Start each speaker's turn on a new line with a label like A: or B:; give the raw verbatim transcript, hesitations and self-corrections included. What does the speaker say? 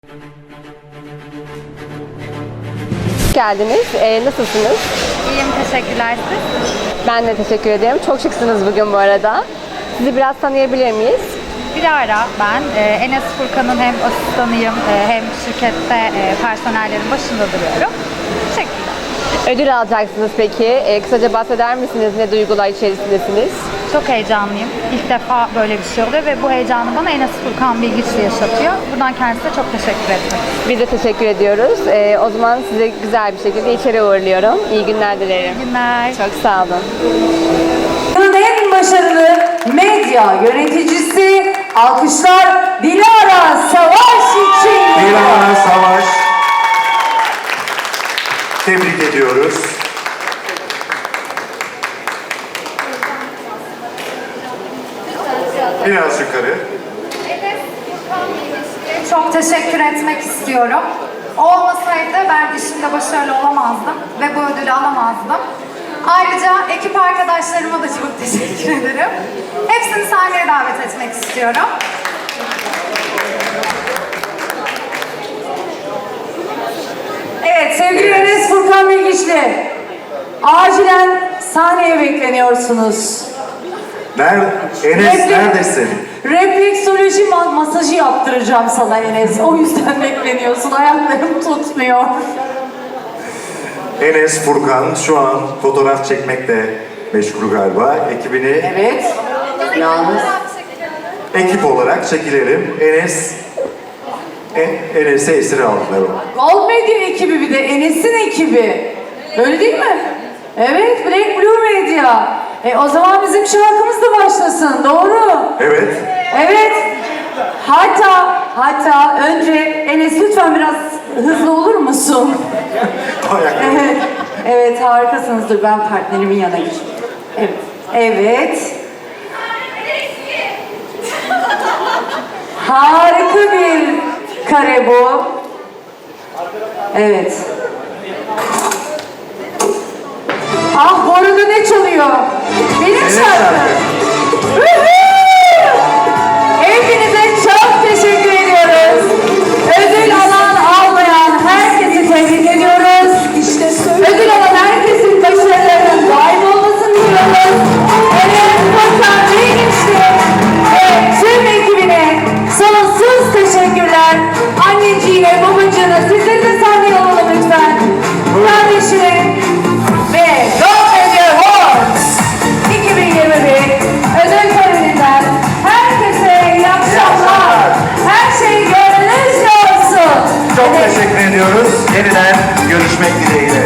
A: Hoş geldiniz. Ee, nasılsınız?
B: İyiyim, teşekkürler siz.
A: Ben de teşekkür ederim. Çok şıksınız bugün bu arada. Sizi biraz tanıyabilir miyiz?
B: Dilara ben. Ee, Enes Furkan'ın hem asistanıyım e, hem şirkette e, personellerin başında duruyorum. Teşekkürler.
A: Ödül alacaksınız peki. Ee, kısaca bahseder misiniz? Ne duygular içerisindesiniz?
B: Çok heyecanlıyım. İlk defa böyle bir şey oluyor ve bu heyecanı bana Enes Furkan Bilgiçli yaşatıyor. Buradan kendisine çok teşekkür ederim.
A: Biz de teşekkür ediyoruz. Ee, o zaman size güzel bir şekilde içeri uğurluyorum. İyi günler dilerim.
B: İyi günler.
A: Çok sağ olun.
C: Yılın en başarılı medya yöneticisi, alkışlar Dilara Savaş için.
D: Dilara Savaş. Tebrik ediyoruz. Biraz yukarı.
B: Çok teşekkür etmek istiyorum. O olmasaydı ben işimde başarılı olamazdım ve bu ödülü alamazdım. Ayrıca ekip arkadaşlarıma da çok teşekkür ederim. Hepsini sahneye davet etmek istiyorum.
C: Evet sevgili Enes Furkan Bilgiçli, acilen sahneye bekleniyorsunuz.
D: Nerede? Enes neredesin?
C: Refleksoloji ma- masajı yaptıracağım sana Enes. O yüzden bekleniyorsun. Ayaklarım tutmuyor.
D: Enes Furkan şu an fotoğraf çekmekle meşgul galiba. Ekibini
C: Evet. Yalnız.
D: ekip olarak çekilelim. Enes e, Enes'e esir aldılar.
C: Gold Medya ekibi bir de Enes'in ekibi. Öyle değil mi? Evet, Black Blue Media. E, o zaman bizim şarkımız da başlasın, doğru?
D: Evet.
C: Evet. Hatta, hatta önce Enes lütfen biraz hızlı olur musun?
D: Ayakları.
C: Evet, evet harikasınız. Dur ben partnerimin yanına geçeyim. Evet, evet. Harika bir kare bu. Evet. Ah bu arada ne çalıyor? Benim
D: Benim
C: şarkım.
D: şarkım.
C: Woohoo! Hepinize çok teşekkür ediyoruz. Ödül alan almayan herkesi tebrik ediyoruz. Ödül alan herkesin başarılarının daim olmasını diliyoruz. Enes Furkan Bilgiçli ve tüm ekibine sonsuz teşekkürler. Anneciğine, babacığına, sizleri de sahneye alalım lütfen. Kardeşine ve Gold Medya Awards iki bin yirmi bir ödül töreninden herkese iyi akşamlar. Her şey gönlünüzce olsun.
D: Çok teşekkür ediyoruz. Yeniden görüşmek dileğiyle.